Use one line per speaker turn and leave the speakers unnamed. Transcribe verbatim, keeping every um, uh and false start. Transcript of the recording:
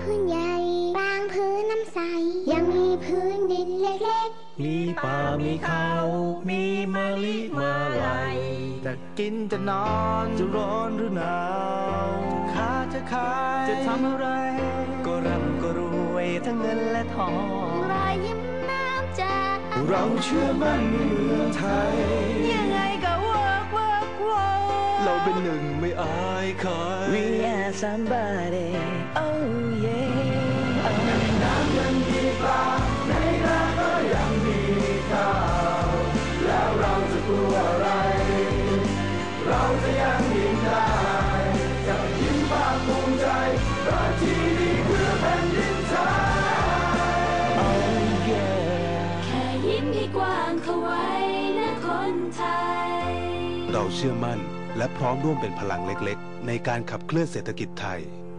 พื้นใหญ่บางพื้นน้ำใสยังมีพื้นดินเล็กๆ
มีป่ามีเขามีมะลิมาลัย
จะกินจะนอนจะร้อนหรือหนาวจะค้าจะขายจะทำอะไรก็ร่ำก็รวยทั้งเงินและทอง
รอยยิ้มน้ำใจ
เราเชื่อมั่นในเมืองไทย
ยังไงก็เวิร์กเวิร์กเวิร์ก
เราเป็นหนึ่งไม่อายใคร
We are somebody oh yeah
น้ำยังมีปลาในนาก็ยังมีข้าวแล้วเราจะกลัวอะไรเราจะยังยิ้มได้จะยิ้มภาคภูมิใจเพราะที่นี่คือแผ่นดินไทย
oh yeah
แค่ยิ้มให้กว้างเข้าไว้นะคนไทย
เราเชื่อมั่นและพร้อมร่วมเป็นพลังเล็กๆในการขับเคลื่อนเศรษฐกิจไทย